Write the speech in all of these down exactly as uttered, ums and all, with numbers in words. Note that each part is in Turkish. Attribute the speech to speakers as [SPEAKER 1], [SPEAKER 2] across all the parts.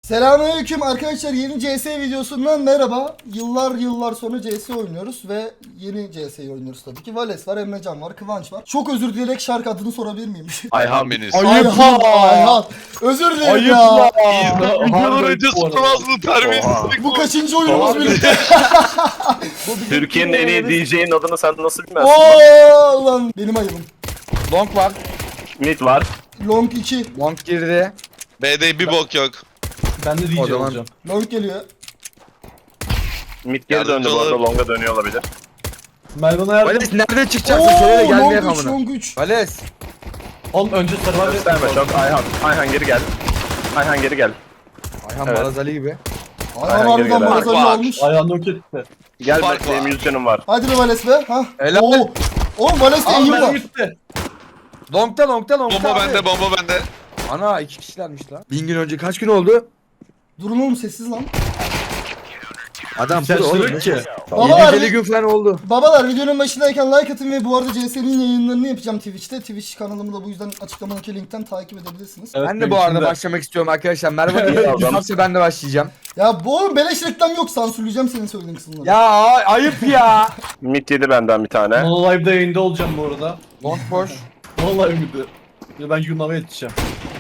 [SPEAKER 1] Selamünaleyküm arkadaşlar, yeni C S videosundan merhaba. Yıllar yıllar sonra C S oynuyoruz ve yeni C S'yi oynuyoruz tabii ki. Vales var, Emrecan var, Kıvanç var. Çok özür dileyerek şarkı adını sorabilir miyim?
[SPEAKER 2] Ayhan Beniz.
[SPEAKER 1] Ayhan, Ayhan. Özür dilerim
[SPEAKER 3] Ayıp
[SPEAKER 1] ya.
[SPEAKER 3] ya.
[SPEAKER 2] Videodan önce sormaz mı terbiyesizlik
[SPEAKER 1] Bu
[SPEAKER 2] bu?
[SPEAKER 1] kaçıncı oyunumuz birlikte?
[SPEAKER 3] Türkiye'nin en iyi D J'nin adını sen nasıl bilmezsin?
[SPEAKER 1] Ooo lan benim ayıbım.
[SPEAKER 4] Long var.
[SPEAKER 3] Mid var.
[SPEAKER 1] Long iki.
[SPEAKER 4] Long girdi.
[SPEAKER 2] B'de bir bok yok.
[SPEAKER 5] Ben de D J
[SPEAKER 4] O zaman-
[SPEAKER 5] olacağım.
[SPEAKER 1] Long geliyor.
[SPEAKER 3] Mid geri döndü bu arada, longa dönüyor olabilir.
[SPEAKER 5] Mervan'a yardım.
[SPEAKER 4] Vales nerede çıkacaksın? Şöyle
[SPEAKER 1] Ooo
[SPEAKER 4] gelmeye
[SPEAKER 1] long üç,
[SPEAKER 4] kamına.
[SPEAKER 1] long üç.
[SPEAKER 4] Vales.
[SPEAKER 5] Oğlum önce Survivor
[SPEAKER 3] Gösterme çok. Ayhan. Ayhan geri gel. Ayhan geri gel.
[SPEAKER 4] Ayhan
[SPEAKER 3] Evet.
[SPEAKER 4] Marazali gibi.
[SPEAKER 1] Ayhan
[SPEAKER 3] Aynen,
[SPEAKER 1] harbiden
[SPEAKER 3] geri gel.
[SPEAKER 1] Marazali
[SPEAKER 2] Bak, bak.
[SPEAKER 1] olmuş.
[SPEAKER 5] Ayağını yok etti.
[SPEAKER 3] Gel
[SPEAKER 2] Fark
[SPEAKER 3] bekleyeyim,
[SPEAKER 2] var.
[SPEAKER 3] yüz canım var.
[SPEAKER 1] Hadi be Vales be. Hah.
[SPEAKER 4] Helal.
[SPEAKER 1] Oo. Oğlum Vales'te
[SPEAKER 5] Aa
[SPEAKER 1] eğim
[SPEAKER 5] mermi
[SPEAKER 1] var.
[SPEAKER 5] gitti.
[SPEAKER 4] Long'da long'da long'da
[SPEAKER 2] Bomba
[SPEAKER 4] abi.
[SPEAKER 2] bende, bomba bende.
[SPEAKER 4] Ana iki kişilermiş lan. Bin gün önce kaç gün oldu?
[SPEAKER 1] Durun oğlum, sessiz lan.
[SPEAKER 4] Adam
[SPEAKER 5] Sen
[SPEAKER 4] pro oğlum.
[SPEAKER 5] sürük ki.
[SPEAKER 1] Babalar,
[SPEAKER 4] yedi gün falan oldu.
[SPEAKER 1] babalar videonun başındayken like atın ve bu arada C S'nin yayınlarını yapacağım Twitch'te. Twitch kanalımı da bu yüzden açıklamadaki linkten takip edebilirsiniz.
[SPEAKER 5] Evet,
[SPEAKER 4] Ben de
[SPEAKER 5] benim
[SPEAKER 4] bu arada
[SPEAKER 5] için de.
[SPEAKER 4] başlamak istiyorum arkadaşlar. Merhaba
[SPEAKER 3] Evet,
[SPEAKER 4] diye.
[SPEAKER 3] adam.
[SPEAKER 4] Yoksa ben de başlayacağım.
[SPEAKER 1] Ya bu oğlum beleş reklam yok, sansürleyeceğim senin söylediğin kısımları.
[SPEAKER 4] Ya ay- ayıp ya.
[SPEAKER 3] Mid yedi benden bir tane.
[SPEAKER 5] Mono Live'da yayında olacağım bu arada.
[SPEAKER 4] Long boş.
[SPEAKER 5] Mono Live miydi? Ya ben Yunan'a yetişeceğim.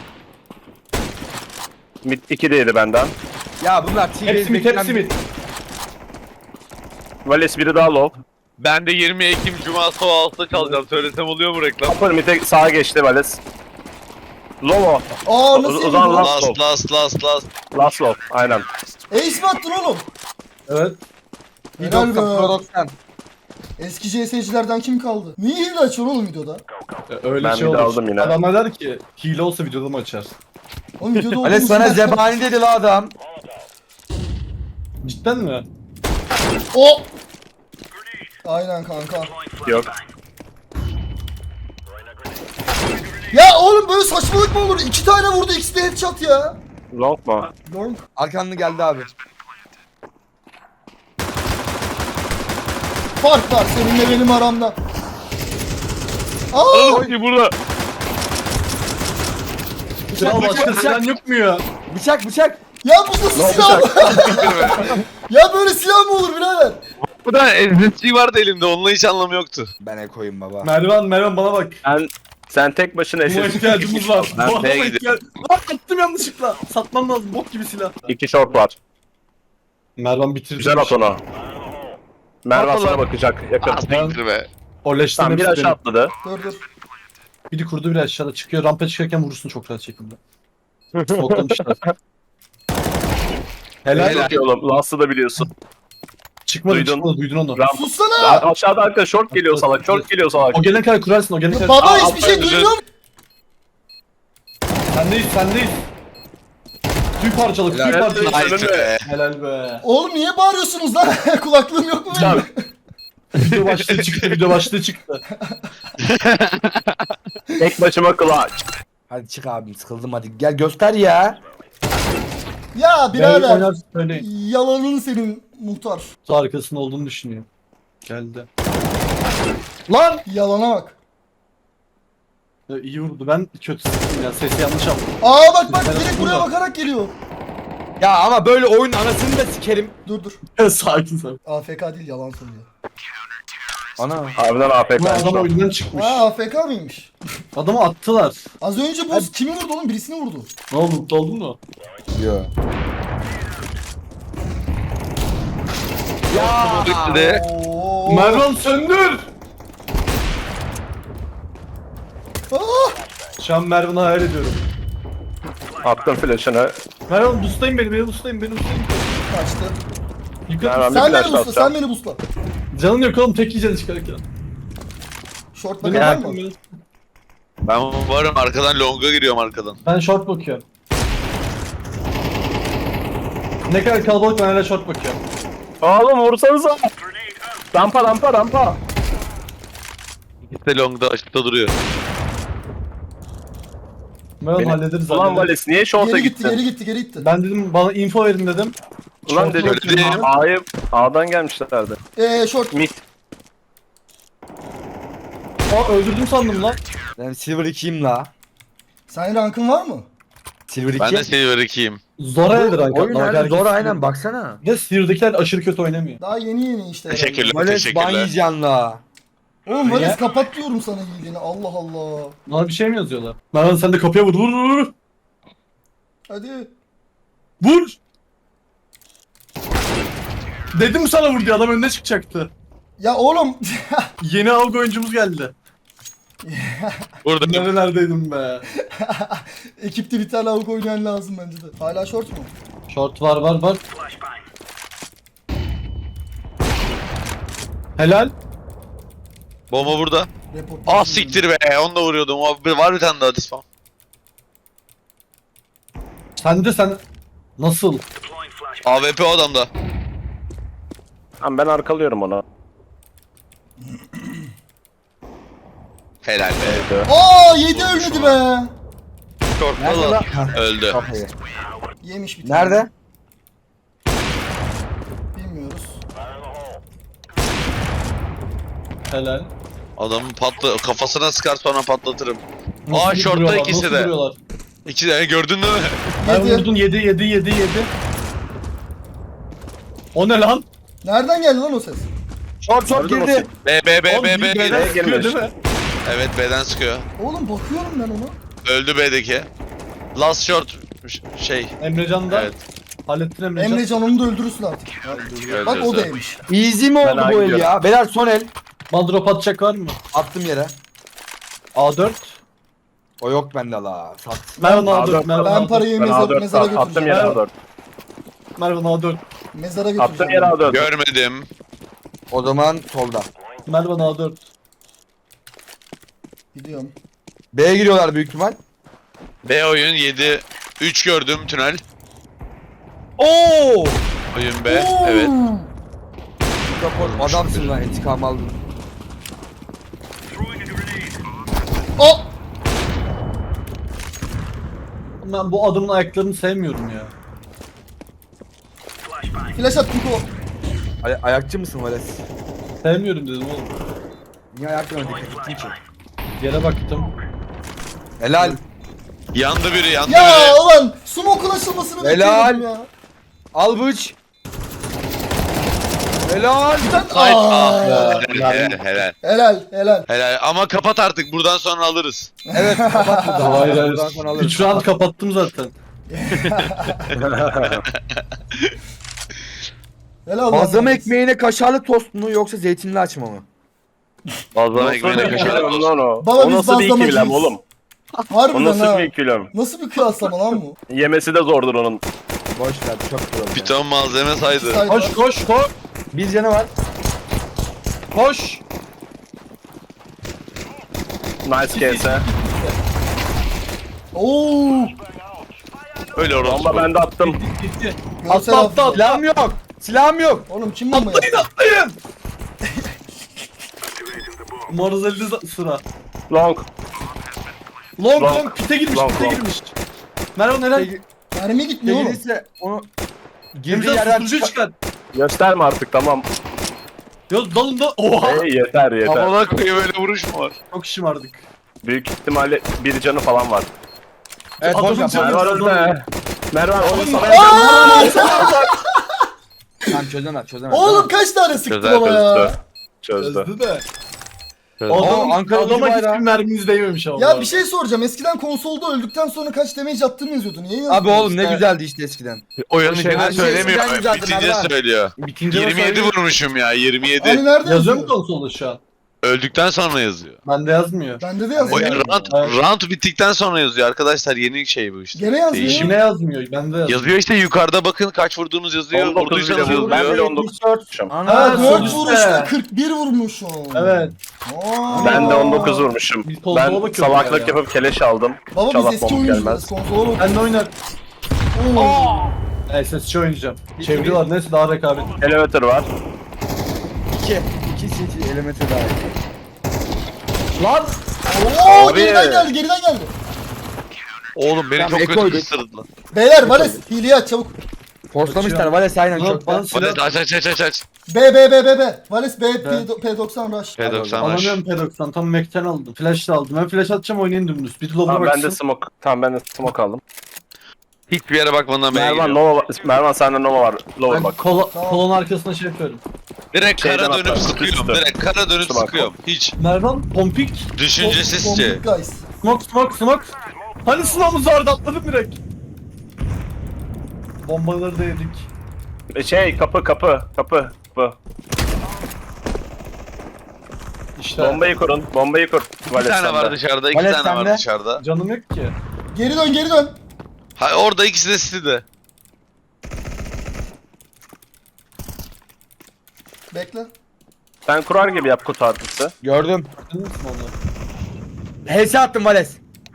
[SPEAKER 3] Mid iki de yedi benden.
[SPEAKER 4] Ya bunlar T V
[SPEAKER 5] Hepsi mid, hepsi mid.
[SPEAKER 3] Vales biri daha low.
[SPEAKER 2] Ben de yirmi Ekim Cuma sabah altıda çalacağım. Söylesem oluyor mu reklam?
[SPEAKER 3] Upper mid'e sağa geçti Vales. Low o.
[SPEAKER 1] Aa nasıl
[SPEAKER 3] O- o
[SPEAKER 1] yedin
[SPEAKER 3] zaman
[SPEAKER 1] lan?
[SPEAKER 3] lan-
[SPEAKER 2] Last last last last.
[SPEAKER 3] Last low. Aynen.
[SPEAKER 1] Ace mi attın oğlum?
[SPEAKER 5] Evet.
[SPEAKER 1] Helal
[SPEAKER 4] doksan
[SPEAKER 1] be.
[SPEAKER 4] Pro doksan.
[SPEAKER 1] Eski C S'cilerden kim kaldı? Niye hile açıyorsun oğlum videoda?
[SPEAKER 5] E, Öyle
[SPEAKER 3] Ben
[SPEAKER 5] şey
[SPEAKER 3] bir de
[SPEAKER 5] olur.
[SPEAKER 3] aldım yine.
[SPEAKER 5] Adamlar der ki hile olsa videoda mı açar?
[SPEAKER 1] Oğlum videoda
[SPEAKER 4] Vales
[SPEAKER 1] olduğumuz
[SPEAKER 4] sana
[SPEAKER 1] için-
[SPEAKER 4] zebani dedi la adam.
[SPEAKER 5] Cidden mi?
[SPEAKER 1] O! Aynen kanka.
[SPEAKER 3] Yok.
[SPEAKER 1] Ya oğlum böyle saçmalık mı olur? İki tane vurdu, ikisi de headshot ya.
[SPEAKER 3] Long mu?
[SPEAKER 1] Long.
[SPEAKER 4] Arkanlı geldi abi.
[SPEAKER 1] Fark var seninle benim aramda. Aa!
[SPEAKER 2] Oğlum burada.
[SPEAKER 5] Kral başka
[SPEAKER 4] bıçak.
[SPEAKER 5] silah yok mu ya?
[SPEAKER 4] Bıçak bıçak.
[SPEAKER 1] Ya bu nasıl silah? Ya böyle silah mı olur birader?
[SPEAKER 2] Bu da S S G vardı elimde. Onunla hiç anlamı yoktu.
[SPEAKER 4] Ben ekoyum baba.
[SPEAKER 5] Mervan, Mervan bana bak.
[SPEAKER 3] Sen, sen tek başına
[SPEAKER 5] Buna
[SPEAKER 3] eşit.
[SPEAKER 5] ihtiyacımız var.
[SPEAKER 2] Ben
[SPEAKER 5] Bu adama
[SPEAKER 2] B'ye
[SPEAKER 5] ihtiyac- Lan attım yanlışlıkla. Satmam lazım bok gibi silah.
[SPEAKER 3] İki short var.
[SPEAKER 5] Mervan bitirdi.
[SPEAKER 3] Güzel at onu. Mervan
[SPEAKER 2] Atla
[SPEAKER 3] sana
[SPEAKER 2] lan.
[SPEAKER 3] bakacak. Yakın.
[SPEAKER 2] Az siktir be.
[SPEAKER 5] O leşten
[SPEAKER 3] Tamam bir
[SPEAKER 5] hepsi
[SPEAKER 3] aşağı
[SPEAKER 5] benim.
[SPEAKER 3] atladı.
[SPEAKER 1] Dur dur.
[SPEAKER 5] Biri kurdu biri aşağıda çıkıyor. Rampa çıkarken vurursun çok rahat şekilde. Smoklamışlar. Helal.
[SPEAKER 2] Helal.
[SPEAKER 3] Çok iyi oğlum. Last'ı da biliyorsun.
[SPEAKER 5] Çıkmadı
[SPEAKER 3] Duydun.
[SPEAKER 5] çıkmadı duydun onu.
[SPEAKER 3] Ramp.
[SPEAKER 1] Sussana!
[SPEAKER 3] Aşağıda arka short geliyor salak. Short geliyor salak.
[SPEAKER 5] O gelene kadar kurarsın o gelene kadar.
[SPEAKER 1] Baba
[SPEAKER 3] Aa,
[SPEAKER 1] hiçbir şey
[SPEAKER 3] aferin.
[SPEAKER 1] duymuyor mu?
[SPEAKER 5] Sendeyiz sendeyiz. Tüy parçalık tüy
[SPEAKER 4] Helal.
[SPEAKER 5] parçalık.
[SPEAKER 2] Haydi be.
[SPEAKER 5] Helal be.
[SPEAKER 1] Oğlum niye bağırıyorsunuz lan? Kulaklığım yok mu benim?
[SPEAKER 5] Video başlığı çıktı video başlığı çıktı.
[SPEAKER 3] Tek başıma clutch.
[SPEAKER 4] Hadi çık abim sıkıldım hadi gel göster ya.
[SPEAKER 1] Ya
[SPEAKER 5] Birader.
[SPEAKER 1] birader.
[SPEAKER 5] Oynarsın söyleyin.
[SPEAKER 1] Yalanın senin muhtar.
[SPEAKER 5] Kutu arkasında olduğunu düşünüyor. Geldi.
[SPEAKER 4] Lan.
[SPEAKER 1] Yalana bak.
[SPEAKER 5] Ya, iyi vurdu ben kötü sıktım ya sesi yanlış aldım.
[SPEAKER 1] Aa bak bak
[SPEAKER 5] Ben
[SPEAKER 1] direkt buraya
[SPEAKER 5] burada.
[SPEAKER 1] bakarak geliyor.
[SPEAKER 4] Ya ama böyle oyun anasını da sikerim.
[SPEAKER 1] Dur dur.
[SPEAKER 5] Sakin sakin.
[SPEAKER 1] A F K değil, yalan söylüyor.
[SPEAKER 4] Ana.
[SPEAKER 3] Harbiden A F
[SPEAKER 5] Bu adam
[SPEAKER 3] K.
[SPEAKER 5] oyundan çıkmış.
[SPEAKER 1] Ha A F K mıymış?
[SPEAKER 5] Adamı attılar.
[SPEAKER 1] Az önce bu kimi vurdu oğlum? Birisini vurdu.
[SPEAKER 5] Ne oldu mutlu oldun mu?
[SPEAKER 4] Yo.
[SPEAKER 2] Bitti de.
[SPEAKER 1] Oo.
[SPEAKER 5] Mervan söndür!
[SPEAKER 1] Ah!
[SPEAKER 5] Şu an Mervan'ı hayal ediyorum.
[SPEAKER 3] Attım flash'ını.
[SPEAKER 5] Mervan boostlayın beni, beni boostlayın, beni boostlayın.
[SPEAKER 1] Kaçtı.
[SPEAKER 5] Yukarı.
[SPEAKER 3] Mervan bir
[SPEAKER 1] Sen beni
[SPEAKER 3] flash
[SPEAKER 1] busla,
[SPEAKER 3] atacağım.
[SPEAKER 1] sen beni busla.
[SPEAKER 5] Canın yok oğlum, tek yiyeceksin çıkarken.
[SPEAKER 1] Short
[SPEAKER 5] Beni
[SPEAKER 1] bakan var
[SPEAKER 5] bırakın
[SPEAKER 1] mı?
[SPEAKER 5] beni.
[SPEAKER 2] Ben varım arkadan longa giriyorum arkadan.
[SPEAKER 5] Ben short bakıyorum. Ne kadar kalabalık, ben hala short bakıyorum.
[SPEAKER 3] Oğlum vursanıza. Rampa rampa rampa.
[SPEAKER 2] İkisi de longda açıkta duruyor.
[SPEAKER 5] Mervan
[SPEAKER 3] Beni-
[SPEAKER 5] hallederiz
[SPEAKER 3] Ulan
[SPEAKER 5] hallederiz.
[SPEAKER 3] Vales niye short'a
[SPEAKER 1] Geri gitti,
[SPEAKER 3] gittin?
[SPEAKER 1] geri gitti, geri gitti.
[SPEAKER 5] Ben dedim bana info verin dedim.
[SPEAKER 3] Ulan
[SPEAKER 5] Short'a
[SPEAKER 3] dedim
[SPEAKER 2] bakıyorum.
[SPEAKER 3] A'yı A'dan gelmişlerdi.
[SPEAKER 1] Eee short.
[SPEAKER 3] Mid.
[SPEAKER 5] Aa öldürdüm sandım lan.
[SPEAKER 4] Ben silver ikiyim la.
[SPEAKER 1] Senin rankın var mı?
[SPEAKER 4] Silver iki.
[SPEAKER 2] Ben de Silver ikiyim.
[SPEAKER 5] Zora'ydı rank
[SPEAKER 4] Oyun
[SPEAKER 5] atlamak.
[SPEAKER 4] nerede?
[SPEAKER 5] Herkes
[SPEAKER 4] Zor
[SPEAKER 5] Silver.
[SPEAKER 4] aynen baksana.
[SPEAKER 5] Bir de Silver'dakiler aşırı kötü oynamıyor.
[SPEAKER 1] Daha yeni yeni işte. herhalde.
[SPEAKER 2] Teşekkürler,
[SPEAKER 4] Vales ban
[SPEAKER 2] teşekkürler.
[SPEAKER 4] yiyeceksin la.
[SPEAKER 1] Oğlum Vales
[SPEAKER 5] Niye?
[SPEAKER 1] kapat diyorum sana hileni. Allah Allah.
[SPEAKER 5] Bana bir şey mi yazıyorlar? Mervan sen de kapıya vur vur vur vur.
[SPEAKER 1] Hadi.
[SPEAKER 5] Vur. Dedim sana vur diye adam önüne çıkacaktı.
[SPEAKER 1] Ya oğlum.
[SPEAKER 5] Yeni avga oyuncumuz geldi.
[SPEAKER 2] Burada
[SPEAKER 5] Nerelerdeydim be.
[SPEAKER 1] Ekipte bir tane avuk oynayan lazım bence de. Hala short mu?
[SPEAKER 5] Short var var var. Helal.
[SPEAKER 2] bomba burada.
[SPEAKER 1] Report.
[SPEAKER 2] Ah siktir be, onu da vuruyordum. Abi, var bir tane daha dispam.
[SPEAKER 5] Sen de sen nasıl?
[SPEAKER 2] A W P o adamda.
[SPEAKER 3] Tamam ben arkalıyorum onu.
[SPEAKER 2] Helal be.
[SPEAKER 1] Aa yedi ölmedi be.
[SPEAKER 2] Short'ta
[SPEAKER 4] Nerede
[SPEAKER 2] da
[SPEAKER 4] lan?
[SPEAKER 2] öldü.
[SPEAKER 4] Kafayı.
[SPEAKER 1] Yemiş bir tane.
[SPEAKER 4] Nerede?
[SPEAKER 1] Bilmiyoruz.
[SPEAKER 5] Helal.
[SPEAKER 2] Adamın patla kafasına sıkar sonra patlatırım.
[SPEAKER 5] Nasıl
[SPEAKER 2] Aa, short'ta
[SPEAKER 5] duruyorlar,
[SPEAKER 2] ikisi
[SPEAKER 5] nasıl
[SPEAKER 2] de.
[SPEAKER 5] duruyorlar?
[SPEAKER 2] İkisi de gördün değil mi?
[SPEAKER 5] Ben
[SPEAKER 1] Yedi.
[SPEAKER 5] vurdun yedi yedi yedi yedi. O ne lan?
[SPEAKER 1] Nereden geldi lan o ses?
[SPEAKER 4] Short short
[SPEAKER 3] Gördün mü
[SPEAKER 4] girdi.
[SPEAKER 2] B B B
[SPEAKER 5] Oğlum,
[SPEAKER 2] B
[SPEAKER 5] bir
[SPEAKER 2] B.
[SPEAKER 5] B'den sıkıyor
[SPEAKER 3] girmiş.
[SPEAKER 5] değil mi?
[SPEAKER 2] Evet B'den sıkıyor.
[SPEAKER 1] Oğlum bakıyorum ben ona.
[SPEAKER 2] Öldü B'deki. Last short ş- şey.
[SPEAKER 5] Emrecan da
[SPEAKER 2] Evet.
[SPEAKER 5] hallettin Emrecan.
[SPEAKER 1] Emrecan onu da öldürürsün artık. Bak o da yemiş.
[SPEAKER 4] Easy mi oldu
[SPEAKER 3] Ben
[SPEAKER 4] bu el
[SPEAKER 3] gidiyorum.
[SPEAKER 4] ya? Beyler son el.
[SPEAKER 5] Madrop atacak var mı?
[SPEAKER 4] Attım yere.
[SPEAKER 5] A dört.
[SPEAKER 4] O yok bende la. Sat.
[SPEAKER 5] Mervan
[SPEAKER 3] A
[SPEAKER 5] A dört.
[SPEAKER 3] dört.
[SPEAKER 5] Mervan
[SPEAKER 1] Ben
[SPEAKER 5] A dört.
[SPEAKER 1] parayı
[SPEAKER 3] Ben
[SPEAKER 1] mezar,
[SPEAKER 3] A dört
[SPEAKER 1] mezara
[SPEAKER 3] attım
[SPEAKER 1] götüreceğim.
[SPEAKER 3] yere A dört.
[SPEAKER 5] Mervan A dört.
[SPEAKER 1] Mezara
[SPEAKER 3] Attım
[SPEAKER 1] götüreceğim.
[SPEAKER 3] yere A dört.
[SPEAKER 2] Görmedim.
[SPEAKER 4] O zaman solda.
[SPEAKER 5] Mervan A dört.
[SPEAKER 1] Gidiyorum.
[SPEAKER 4] B'ye giriyorlar büyük ihtimal.
[SPEAKER 2] B oyun yedi. üç gördüm tünel.
[SPEAKER 4] Oo!
[SPEAKER 2] Oyun B. Evet.
[SPEAKER 4] Rapor adamsın lan intikam aldın.
[SPEAKER 1] O!
[SPEAKER 5] Ben bu adamın ayaklarını sevmiyorum ya.
[SPEAKER 1] Flash at Kuko.
[SPEAKER 4] Ay ayakçı mısın Vales?
[SPEAKER 5] Sevmiyorum dedim oğlum.
[SPEAKER 4] Niye ayaklarına dikkat ettin ki?
[SPEAKER 5] Yere baktım.
[SPEAKER 4] Helal.
[SPEAKER 2] Yandı biri, yandı
[SPEAKER 1] Ya
[SPEAKER 2] biri.
[SPEAKER 1] ulan smoke'un açılmasını
[SPEAKER 4] Helal.
[SPEAKER 1] bekliyordum ya.
[SPEAKER 4] Al bıç. Helal.
[SPEAKER 1] Ben
[SPEAKER 2] Hayır.
[SPEAKER 1] Aa.
[SPEAKER 2] Ah, helal, helal.
[SPEAKER 1] Helal helal.
[SPEAKER 2] Helal. Ama kapat artık. Buradan sonra alırız.
[SPEAKER 4] Evet kapat buradan.
[SPEAKER 5] Hayır hayır.
[SPEAKER 4] Buradan sonra alırız.
[SPEAKER 5] üç round kapattım zaten.
[SPEAKER 1] Helal
[SPEAKER 4] Bazlama
[SPEAKER 1] lan.
[SPEAKER 4] ekmeğine kaşarlı tost mu yoksa zeytinli açma mı?
[SPEAKER 2] Bazlama ekmeğine
[SPEAKER 3] Nasıl bir
[SPEAKER 2] kaşarlı
[SPEAKER 3] ikilem
[SPEAKER 2] olsun.
[SPEAKER 3] lan o?
[SPEAKER 1] Baba
[SPEAKER 3] O
[SPEAKER 1] biz
[SPEAKER 3] nasıl bir
[SPEAKER 1] bazlamacıyız.
[SPEAKER 3] ikilem oğlum? O
[SPEAKER 1] Harbiden
[SPEAKER 3] nasıl
[SPEAKER 1] ha.
[SPEAKER 3] bir ikilem?
[SPEAKER 1] Nasıl bir kıyaslama lan bu?
[SPEAKER 3] Yemesi de zordur onun.
[SPEAKER 4] Boş ver çok güzel.
[SPEAKER 2] Bir ton malzeme saydı.
[SPEAKER 1] Saydı.
[SPEAKER 5] Koş koş koş.
[SPEAKER 4] Bir canı var.
[SPEAKER 5] Koş.
[SPEAKER 3] Nice case he.
[SPEAKER 1] Oo.
[SPEAKER 2] Öyle orası.
[SPEAKER 3] Bomba ben de attım.
[SPEAKER 5] Gitti.
[SPEAKER 1] Görsel
[SPEAKER 5] Atla atla
[SPEAKER 1] hafıza.
[SPEAKER 5] atla.
[SPEAKER 4] Silahım yok. Silahım yok.
[SPEAKER 1] Oğlum kim bomba
[SPEAKER 5] Atlayın
[SPEAKER 1] yaptı?
[SPEAKER 5] atlayın. Umarız elde sıra.
[SPEAKER 3] Long.
[SPEAKER 5] Long
[SPEAKER 3] Long.
[SPEAKER 5] long pite girmiş
[SPEAKER 3] Long,
[SPEAKER 5] pite
[SPEAKER 3] long.
[SPEAKER 5] girmiş. Mervan helal.
[SPEAKER 1] Mermi gitmiyor oğlum.
[SPEAKER 4] Gelirse onu girdiği
[SPEAKER 5] Emrecan
[SPEAKER 4] yerden
[SPEAKER 5] susturucu
[SPEAKER 4] çıkar.
[SPEAKER 5] çıkar.
[SPEAKER 3] Gösterme artık tamam.
[SPEAKER 5] Yok dalında. Oha.
[SPEAKER 3] Hey yeter yeter.
[SPEAKER 2] Havada koyu böyle vuruş mu var?
[SPEAKER 5] Çok şımardık.
[SPEAKER 3] Büyük ihtimalle bir canı falan var.
[SPEAKER 4] Evet boş
[SPEAKER 5] Adamın
[SPEAKER 4] ver.
[SPEAKER 5] canı-
[SPEAKER 3] Mervan öldü. Mervan onu sana
[SPEAKER 4] Tamam çözemez çözemez.
[SPEAKER 1] Oğlum kaç tane sıktın
[SPEAKER 2] Çözer,
[SPEAKER 1] ama ya.
[SPEAKER 3] çözdü. Çözdü.
[SPEAKER 5] Çözdü de.
[SPEAKER 2] Çözdü.
[SPEAKER 5] Adam,
[SPEAKER 4] Ankara
[SPEAKER 5] adama
[SPEAKER 4] gücü
[SPEAKER 5] hiçbir
[SPEAKER 4] bayrağı.
[SPEAKER 5] merminiz değmemiş ama.
[SPEAKER 1] Ya bir şey soracağım. Eskiden konsolda öldükten sonra kaç damage attığını yazıyordu. Niye yazmıyorsun?
[SPEAKER 4] Abi oğlum ne
[SPEAKER 5] İşte-
[SPEAKER 4] güzeldi işte eskiden.
[SPEAKER 2] Oyunun
[SPEAKER 5] Şey,
[SPEAKER 2] içinde
[SPEAKER 5] her şey
[SPEAKER 2] söylemiyor.
[SPEAKER 4] eskiden güzeldi,
[SPEAKER 2] Bitince
[SPEAKER 4] Mervan.
[SPEAKER 2] söylüyor.
[SPEAKER 5] Bitince
[SPEAKER 2] yirmi yedi
[SPEAKER 5] vurmuş.
[SPEAKER 2] vurmuşum ya. yirmi yedi.
[SPEAKER 1] Hani nerede
[SPEAKER 5] Yazıyor mu
[SPEAKER 1] yazıyor?
[SPEAKER 5] konsolda şu an?
[SPEAKER 2] Öldükten sonra yazıyor.
[SPEAKER 5] Bende yazmıyor.
[SPEAKER 1] Bende de
[SPEAKER 2] O
[SPEAKER 1] yazıyor.
[SPEAKER 4] Yani-
[SPEAKER 2] round,
[SPEAKER 5] Evet.
[SPEAKER 2] round bittikten sonra yazıyor arkadaşlar. Yeni şey bu işte.
[SPEAKER 1] Gene yazmıyor.
[SPEAKER 2] Değişim.
[SPEAKER 5] Şimdi yazmıyor. Bende yazıyor.
[SPEAKER 2] Yazıyor işte yukarıda bakın kaç vurduğunuz yazıyor.
[SPEAKER 3] on dokuz
[SPEAKER 2] Vurduysanız
[SPEAKER 3] bile vurdu. Ben
[SPEAKER 2] yazıyor.
[SPEAKER 3] bile on dokuz vurmuşum.
[SPEAKER 1] Ha
[SPEAKER 5] Ha, sol
[SPEAKER 1] dört
[SPEAKER 5] üstte.
[SPEAKER 1] vuruşta kırk bir vurmuşum.
[SPEAKER 5] Evet.
[SPEAKER 1] Aa.
[SPEAKER 3] Ben de on dokuz vurmuşum.
[SPEAKER 5] Bir konsola
[SPEAKER 3] Ben
[SPEAKER 5] bakıyorum
[SPEAKER 3] salaklık
[SPEAKER 5] ya.
[SPEAKER 3] yapıp keleş aldım.
[SPEAKER 1] Baba biz
[SPEAKER 3] Çalak
[SPEAKER 1] eski
[SPEAKER 3] bomb
[SPEAKER 1] oyuncuyuz.
[SPEAKER 3] gelmez.
[SPEAKER 1] Konsola bak.
[SPEAKER 5] Ben de oynar.
[SPEAKER 1] Oo.
[SPEAKER 5] Evet sesçi oynayacağım. Çeviriyorlar neyse daha rekabet.
[SPEAKER 3] Elevator var.
[SPEAKER 4] İki. İki city elemente daha iyi.
[SPEAKER 5] Lan!
[SPEAKER 1] Oo
[SPEAKER 3] Abi.
[SPEAKER 1] geriden geldi geriden geldi.
[SPEAKER 2] Oğlum beni
[SPEAKER 4] Tamam,
[SPEAKER 2] çok kötü
[SPEAKER 4] ekoyduk.
[SPEAKER 2] ısırdılar.
[SPEAKER 1] Beyler Vales hileyi aç çabuk.
[SPEAKER 4] Forslamışlar Vales aynen
[SPEAKER 5] Lan
[SPEAKER 4] çok
[SPEAKER 5] bana
[SPEAKER 4] da.
[SPEAKER 5] silah...
[SPEAKER 2] Hadi aç aç aç aç aç.
[SPEAKER 1] B B B B B. Vales B
[SPEAKER 5] Ben-
[SPEAKER 1] P doksan rush.
[SPEAKER 2] P doksan
[SPEAKER 5] Alamıyorum P doksan. Tam Mac'ten aldım. Flash da aldım. Ben flash atacağım oynayın dümdüz. Bir dolabına
[SPEAKER 3] Tamam ben de
[SPEAKER 5] baksın.
[SPEAKER 3] smoke. Tamam ben de smoke aldım.
[SPEAKER 2] Hiçbir yere bakmadan B'ye
[SPEAKER 3] Mervan
[SPEAKER 2] gidiyorum.
[SPEAKER 3] Nova var. Mervan sende Nova var. Lower
[SPEAKER 5] Ben
[SPEAKER 3] bak.
[SPEAKER 5] kola,
[SPEAKER 1] Tamam.
[SPEAKER 5] kolon arkasına şey yapıyorum.
[SPEAKER 2] Direkt
[SPEAKER 3] Şeyden
[SPEAKER 2] kara dönüp
[SPEAKER 3] atlar,
[SPEAKER 2] sıkıyorum.
[SPEAKER 3] üstü.
[SPEAKER 2] Direkt kara dönüp
[SPEAKER 3] Üstü bak.
[SPEAKER 2] sıkıyorum. Hiç.
[SPEAKER 5] Mervan, pompik,
[SPEAKER 2] Düşüncesizce.
[SPEAKER 1] Bombik guys.
[SPEAKER 5] smoke, smoke, smoke. Hani silahımız vardı atladım direkt. Bombaları da yedik.
[SPEAKER 3] E, Şey kapı kapı kapı. kapı.
[SPEAKER 5] İşte
[SPEAKER 3] Bombayı kurun. Bombayı kur.
[SPEAKER 2] İki
[SPEAKER 3] Valet
[SPEAKER 2] tane var
[SPEAKER 3] sende.
[SPEAKER 2] dışarıda. iki
[SPEAKER 4] Valet
[SPEAKER 2] tane var
[SPEAKER 4] sende.
[SPEAKER 2] dışarıda.
[SPEAKER 5] canım yok ki.
[SPEAKER 1] Geri dön geri dön.
[SPEAKER 2] Ha, orada ikisi de City'de.
[SPEAKER 1] Bekle.
[SPEAKER 3] Sen kurar gibi yap kutu artısı.
[SPEAKER 4] Gördüm.
[SPEAKER 5] Gördün mü onu?
[SPEAKER 4] H S attım Vales.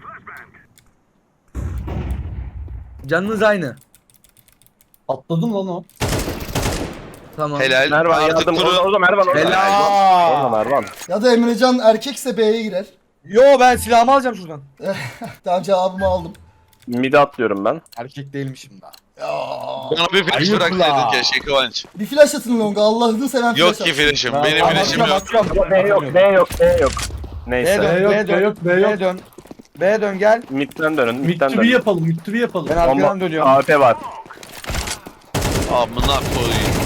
[SPEAKER 4] Canınız aynı.
[SPEAKER 5] Atladım lan o.
[SPEAKER 4] Tamam.
[SPEAKER 2] Helal.
[SPEAKER 3] Mervan
[SPEAKER 2] Artık
[SPEAKER 3] yardım.
[SPEAKER 2] kuru.
[SPEAKER 3] Orada Mervan orada.
[SPEAKER 4] Helal.
[SPEAKER 3] Orada Mervan.
[SPEAKER 1] Ya da Emrecan erkekse B'ye girer.
[SPEAKER 4] Yo ben silahımı alacağım şuradan.
[SPEAKER 1] Tamam cevabımı aldım.
[SPEAKER 3] Mid'e atlıyorum ben.
[SPEAKER 4] Erkek değilmişim daha.
[SPEAKER 1] Ya.
[SPEAKER 2] Bana bir flash
[SPEAKER 4] Ayıp
[SPEAKER 2] bıraksaydın
[SPEAKER 4] la.
[SPEAKER 2] keşke Kıvanç.
[SPEAKER 1] Bir flash atın Longa. Allah'ını seven flash
[SPEAKER 2] Yok ki
[SPEAKER 1] atın.
[SPEAKER 2] flash'im.
[SPEAKER 4] Ben-
[SPEAKER 2] Benim
[SPEAKER 4] Ben
[SPEAKER 2] flash'im
[SPEAKER 4] bakıyorum,
[SPEAKER 2] yok.
[SPEAKER 4] bakıyorum.
[SPEAKER 3] B yok B yok B yok.
[SPEAKER 4] B
[SPEAKER 3] Neyse.
[SPEAKER 4] dön,
[SPEAKER 5] B yok,
[SPEAKER 4] B dön,
[SPEAKER 5] B yok, B yok.
[SPEAKER 4] B dön. B dön gel.
[SPEAKER 3] Mid'den dönün. Mid'den
[SPEAKER 5] Mid to be
[SPEAKER 3] dönün.
[SPEAKER 5] yapalım, mid to be yapalım.
[SPEAKER 4] Ben arkadan
[SPEAKER 3] Bomba.
[SPEAKER 4] dönüyorum.
[SPEAKER 3] A P var.
[SPEAKER 2] Amına koyayım.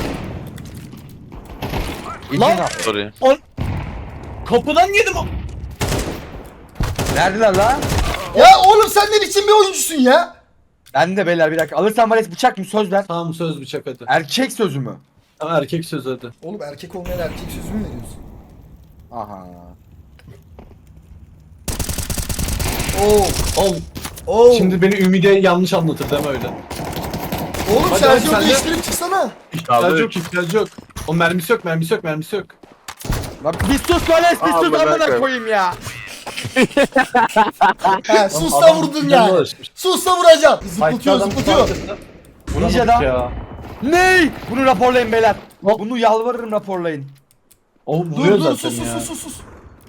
[SPEAKER 4] İlkin
[SPEAKER 5] Lan!
[SPEAKER 4] al.
[SPEAKER 2] Sorry.
[SPEAKER 5] Kapıdan yedim o.
[SPEAKER 4] Neredeler la?
[SPEAKER 1] Ya oğlum sen ne biçim bir oyuncusun ya?
[SPEAKER 4] Ben de beyler bir dakika. Alırsan Vales bıçak mı söz ver.
[SPEAKER 5] Tamam söz bıçak hadi.
[SPEAKER 4] Erkek sözü mü?
[SPEAKER 5] Tamam erkek söz hadi.
[SPEAKER 1] Oğlum erkek olmayan erkek sözü mü veriyorsun?
[SPEAKER 4] Aha.
[SPEAKER 1] Oo.
[SPEAKER 5] Oğlum
[SPEAKER 1] Oo.
[SPEAKER 5] şimdi beni Ümide yanlış anlatır deme öyle.
[SPEAKER 1] Oğlum
[SPEAKER 5] Hadi,
[SPEAKER 1] şarjörü
[SPEAKER 5] hadi, sen de-
[SPEAKER 1] değiştirip çıksana.
[SPEAKER 5] İhtiyacı
[SPEAKER 3] Kaldı.
[SPEAKER 5] yok, ihtiyacı yok. O mermisi yok, mermisi yok, mermisi yok.
[SPEAKER 4] Lan bir sus Vales bir
[SPEAKER 3] Aa,
[SPEAKER 4] sus
[SPEAKER 3] bırak
[SPEAKER 4] amına
[SPEAKER 3] ya.
[SPEAKER 4] koyayım ya.
[SPEAKER 1] He sus da
[SPEAKER 5] Adam
[SPEAKER 1] vurdun
[SPEAKER 5] canına
[SPEAKER 1] yani.
[SPEAKER 5] uğraşmış.
[SPEAKER 1] Sus da vuracaksın. Zıplatıyor
[SPEAKER 5] Fight'ta
[SPEAKER 1] zıplatıyor.
[SPEAKER 5] adam fark etti. Vuramadık
[SPEAKER 4] Ninja'da.
[SPEAKER 5] ya.
[SPEAKER 4] Ney? Bunu raporlayın beyler.
[SPEAKER 5] Hop.
[SPEAKER 4] Bunu yalvarırım raporlayın.
[SPEAKER 5] O
[SPEAKER 1] Dur
[SPEAKER 5] vuruyor
[SPEAKER 1] dur
[SPEAKER 5] zaten
[SPEAKER 1] sus sus
[SPEAKER 5] ya.
[SPEAKER 1] sus sus sus.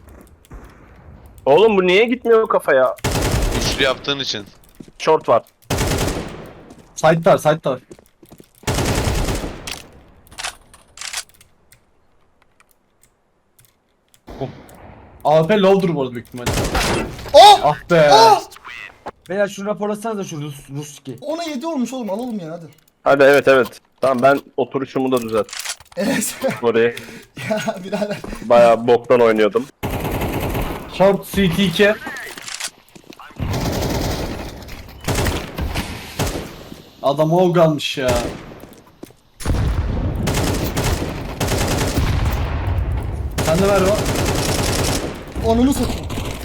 [SPEAKER 3] Oğlum bu niye gitmiyor kafaya?
[SPEAKER 2] Üçlü yaptığın için.
[SPEAKER 3] Short var.
[SPEAKER 5] Side'lar, side'lar. A P low'dur bu arada büyük ihtimalle.
[SPEAKER 1] Oh!
[SPEAKER 5] Ah be.
[SPEAKER 1] Ah!
[SPEAKER 4] Beyler şunu raporlasanız da şu Rus, Ruski.
[SPEAKER 1] Ona yedi olmuş oğlum alalım ya hadi.
[SPEAKER 3] Hadi evet evet. Tamam ben oturuşumu da düzelt.
[SPEAKER 1] Evet.
[SPEAKER 3] Orayı
[SPEAKER 1] Ya birader.
[SPEAKER 3] bayağı boktan oynuyordum.
[SPEAKER 5] Short C T iki. Adam o kalmış ya. Sen de ver o.
[SPEAKER 1] Onunu satayım.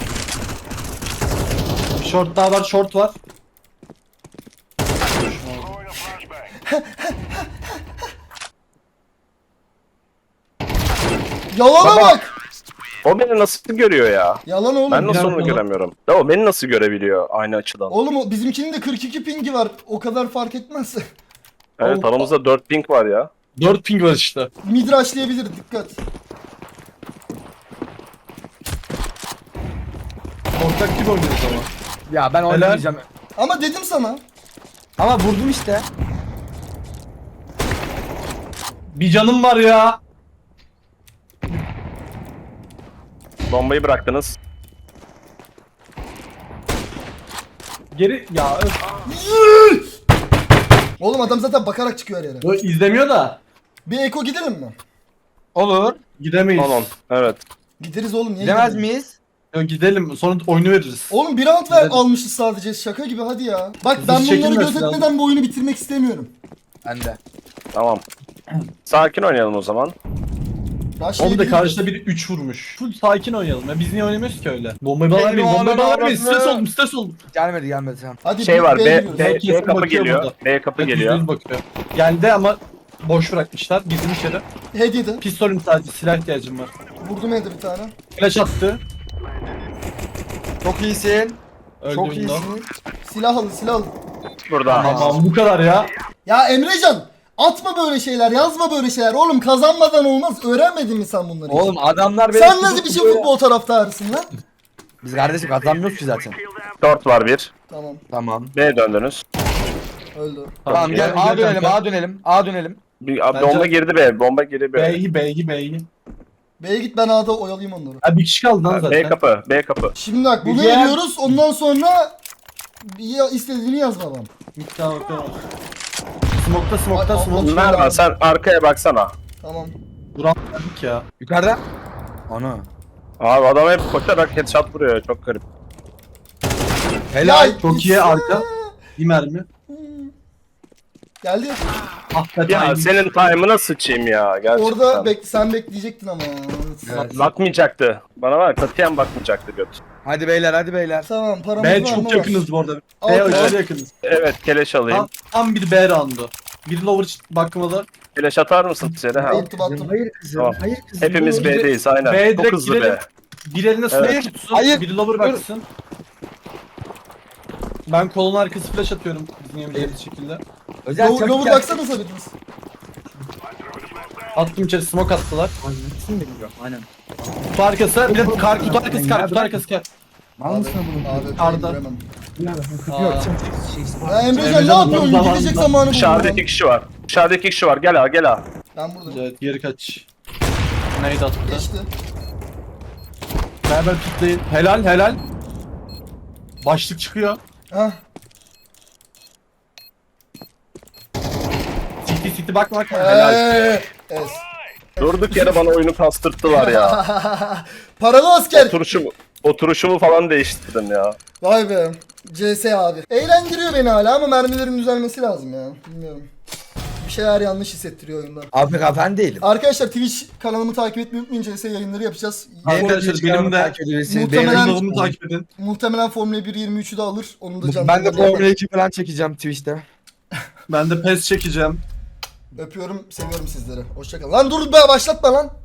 [SPEAKER 5] Short daha var, short var.
[SPEAKER 1] Yalana
[SPEAKER 3] Baba.
[SPEAKER 1] bak.
[SPEAKER 3] O beni nasıl görüyor ya?
[SPEAKER 1] Yalan oğlum.
[SPEAKER 3] Ben nasıl
[SPEAKER 5] biraz
[SPEAKER 3] onu
[SPEAKER 5] bana-
[SPEAKER 3] göremiyorum? Ya o beni nasıl görebiliyor aynı açıdan?
[SPEAKER 1] Oğlum o bizimkinin de kırk iki pingi var. O kadar fark etmez.
[SPEAKER 3] Evet
[SPEAKER 5] o-
[SPEAKER 3] aramızda dört ping var ya.
[SPEAKER 5] dört ping var işte.
[SPEAKER 1] Mid rushlayabilir dikkat.
[SPEAKER 5] Ortak gibi oynuyoruz ama.
[SPEAKER 4] Ya ben
[SPEAKER 5] Helal.
[SPEAKER 4] oynamayacağım.
[SPEAKER 1] Ama dedim sana.
[SPEAKER 4] Ama vurdum işte.
[SPEAKER 5] Bir canım var ya.
[SPEAKER 3] Bombayı bıraktınız.
[SPEAKER 5] Geri ya öf.
[SPEAKER 1] Oğlum adam zaten bakarak çıkıyor her yere.
[SPEAKER 5] O izlemiyor da.
[SPEAKER 1] Bir eko gidelim mi?
[SPEAKER 4] Olur.
[SPEAKER 5] Gidemeyiz.
[SPEAKER 3] on on. Evet.
[SPEAKER 1] Gideriz oğlum niye
[SPEAKER 4] Gidemez
[SPEAKER 1] gidelim?
[SPEAKER 4] miyiz?
[SPEAKER 5] Yok, gidelim sonra oyunu veririz.
[SPEAKER 1] Oğlum bir round ver
[SPEAKER 5] Gidelim.
[SPEAKER 1] almışız sadece şaka gibi hadi ya. Bak
[SPEAKER 5] Hızlı
[SPEAKER 1] ben bunları
[SPEAKER 5] çekilmesi
[SPEAKER 1] gözetmeden
[SPEAKER 5] lazım.
[SPEAKER 1] bu oyunu bitirmek istemiyorum.
[SPEAKER 4] Ben de.
[SPEAKER 3] Tamam. Sakin oynayalım o zaman.
[SPEAKER 1] Rush
[SPEAKER 5] Onu da
[SPEAKER 1] yedim.
[SPEAKER 5] karşıda biri üç vurmuş. Full sakin oynayalım ya. Biz niye oynamıyoruz ki öyle? Bombayı bana
[SPEAKER 4] Hey,
[SPEAKER 5] vermeyin,
[SPEAKER 4] no,
[SPEAKER 5] bombayı
[SPEAKER 4] no,
[SPEAKER 5] bana
[SPEAKER 4] no,
[SPEAKER 5] vermeyin.
[SPEAKER 4] no.
[SPEAKER 5] Stres oldum, stres oldum.
[SPEAKER 4] Gelmedi gelmedi tamam.
[SPEAKER 1] Hadi
[SPEAKER 3] Şey
[SPEAKER 1] bir
[SPEAKER 3] var
[SPEAKER 1] B'ye
[SPEAKER 3] B,
[SPEAKER 1] giriyoruz.
[SPEAKER 3] B,
[SPEAKER 5] Herkes
[SPEAKER 3] B kapı
[SPEAKER 5] bakıyor
[SPEAKER 3] geliyor.
[SPEAKER 5] burada.
[SPEAKER 3] B kapı
[SPEAKER 5] Bak, yüzde
[SPEAKER 3] geliyor.
[SPEAKER 5] yüz bakıyor. Geldi ama boş bırakmışlar. Girdim içeri.
[SPEAKER 1] Head yedi.
[SPEAKER 5] Pistolüm sadece, silah ihtiyacım var.
[SPEAKER 1] Vurdum head'e bir tane.
[SPEAKER 5] Flash attı.
[SPEAKER 4] Çok iyisin. Çok
[SPEAKER 5] Öldüğümde.
[SPEAKER 4] iyisin.
[SPEAKER 1] Silah alın silah alın.
[SPEAKER 3] Burada.
[SPEAKER 5] Tamam bu kadar ya.
[SPEAKER 1] Ya Emrecan atma böyle şeyler yazma böyle şeyler. Oğlum kazanmadan olmaz. Öğrenmedin mi sen bunları? hiç?
[SPEAKER 4] Oğlum adamlar beni
[SPEAKER 1] Sen nasıl bir
[SPEAKER 4] tutup
[SPEAKER 1] şey
[SPEAKER 4] böyle-
[SPEAKER 1] futbol taraftarısın lan?
[SPEAKER 4] Biz kardeşim kazanmıyoruz ki zaten.
[SPEAKER 3] Short var bir.
[SPEAKER 1] Tamam
[SPEAKER 4] Tamam.
[SPEAKER 3] B döndünüz.
[SPEAKER 1] öldü.
[SPEAKER 4] Tamam gel
[SPEAKER 5] gel,
[SPEAKER 4] A
[SPEAKER 5] gel
[SPEAKER 4] dönelim
[SPEAKER 5] kanka.
[SPEAKER 4] A dönelim A dönelim.
[SPEAKER 3] Bir,
[SPEAKER 5] Bence-
[SPEAKER 3] bomba girdi B. Bomba girdi B.
[SPEAKER 5] B'yi, B'yi, B'yi.
[SPEAKER 1] B'ye git ben A'da oyalayayım onları.
[SPEAKER 5] Ha bir kişi kaldı lan
[SPEAKER 3] B
[SPEAKER 5] zaten.
[SPEAKER 3] kapı. B kapı.
[SPEAKER 1] Şimdi bak bunu
[SPEAKER 4] Güzel.
[SPEAKER 1] eliyoruz ondan sonra ya istediğini yaz babam.
[SPEAKER 5] Miktar bakıyorum. Smokta smokta
[SPEAKER 1] Ay,
[SPEAKER 5] smoke.
[SPEAKER 1] Allah.
[SPEAKER 3] Merhaba sen arkaya baksana.
[SPEAKER 1] Tamam.
[SPEAKER 5] Duran verdik ya.
[SPEAKER 4] Yukarıda. Ana.
[SPEAKER 3] Abi adam hep koşarak headshot vuruyor çok garip.
[SPEAKER 4] Helal.
[SPEAKER 5] Çok iyi arka. Bir mermi.
[SPEAKER 1] Geldi.
[SPEAKER 5] Ah be
[SPEAKER 3] Ya
[SPEAKER 5] timing.
[SPEAKER 3] senin time'ına sıçayım ya gerçekten.
[SPEAKER 1] Orada bek sen bekleyecektin ama.
[SPEAKER 4] Evet.
[SPEAKER 3] Bakmayacaktı. Bana var katiyen bakmayacaktı göt.
[SPEAKER 4] Hadi beyler hadi beyler.
[SPEAKER 1] Tamam paramız
[SPEAKER 5] B
[SPEAKER 1] var
[SPEAKER 5] çok
[SPEAKER 1] mı?
[SPEAKER 5] yakınız bu arada.
[SPEAKER 1] Al,
[SPEAKER 5] B
[SPEAKER 1] al.
[SPEAKER 5] aşırı yakınız.
[SPEAKER 3] Evet keleş alayım.
[SPEAKER 5] Tam, tam bir B roundu. Bir lower bakmalı.
[SPEAKER 3] Keleş atar mısın içeri? Ha.
[SPEAKER 1] Attım attım.
[SPEAKER 4] Hayır kızım.
[SPEAKER 3] Tamam.
[SPEAKER 4] Hayır kızım.
[SPEAKER 3] Hepimiz
[SPEAKER 4] dur.
[SPEAKER 3] B'deyiz aynen.
[SPEAKER 5] B'ye
[SPEAKER 3] Çok
[SPEAKER 5] direkt
[SPEAKER 3] hızlı
[SPEAKER 5] girelim.
[SPEAKER 3] B.
[SPEAKER 5] Bir eline smoke
[SPEAKER 3] Evet.
[SPEAKER 5] tutsun,
[SPEAKER 4] Hayır.
[SPEAKER 5] biri lower
[SPEAKER 4] Dur.
[SPEAKER 5] baksın. Ben kolon arkası flash atıyorum bizim yemeyeceğimiz şekilde.
[SPEAKER 4] Özel
[SPEAKER 1] Low,
[SPEAKER 4] çabuk
[SPEAKER 1] lower
[SPEAKER 4] gel.
[SPEAKER 1] baksanıza biriniz.
[SPEAKER 5] Attım içeri smoke attılar.
[SPEAKER 4] Annesini de biliyorum. Aynen.
[SPEAKER 5] Kutu arkası, bir de kar, kutu arkası kar, kutu arkası kar.
[SPEAKER 4] Mal mısın bunun?
[SPEAKER 1] Abi
[SPEAKER 5] Arda.
[SPEAKER 1] göremem.
[SPEAKER 5] Aa.
[SPEAKER 1] Ya Emrecan
[SPEAKER 5] Emrecan
[SPEAKER 1] ne yapıyorsun?
[SPEAKER 5] zamanında-
[SPEAKER 1] Gidecek zamanı
[SPEAKER 3] Dışarıda
[SPEAKER 1] buldum
[SPEAKER 3] iki
[SPEAKER 1] ben.
[SPEAKER 3] kişi var. Dışarıda iki kişi var. Gel ha gel ha.
[SPEAKER 1] Ben buradayım.
[SPEAKER 5] Evet, geri kaç. Neydi attı?
[SPEAKER 1] Geçti.
[SPEAKER 5] Beraber pikleyin. Helal, helal. Başlık çıkıyor.
[SPEAKER 1] Hah.
[SPEAKER 5] City city bakma bakma. Helal.
[SPEAKER 1] Eee. Es.
[SPEAKER 3] Durduk yere bana oyunu kastırttılar ya.
[SPEAKER 1] Paralı asker.
[SPEAKER 3] Oturuşumu, oturuşumu falan değiştirdim ya.
[SPEAKER 1] Vay be. C S abi. Eğlendiriyor beni hala ama mermilerin düzelmesi lazım ya. Bilmiyorum. Bir şeyler yanlış hissettiriyor oyunda.
[SPEAKER 4] Abi ben değilim.
[SPEAKER 1] Arkadaşlar Twitch kanalımı takip etmeyi unutmayın. C S yayınları yapacağız.
[SPEAKER 5] Arkadaşlar benim de
[SPEAKER 1] Muhtemelen-
[SPEAKER 5] benim kanalımı takip edin.
[SPEAKER 1] Muhtemelen Formula bir yirmi üçü de alır. Onu da canlı
[SPEAKER 4] Ben de
[SPEAKER 1] yayında
[SPEAKER 4] Formula iki falan çekeceğim Twitch'te.
[SPEAKER 5] Ben de pes çekeceğim.
[SPEAKER 1] Öpüyorum, seviyorum sizleri. Hoşçakalın. Lan dur be başlatma lan.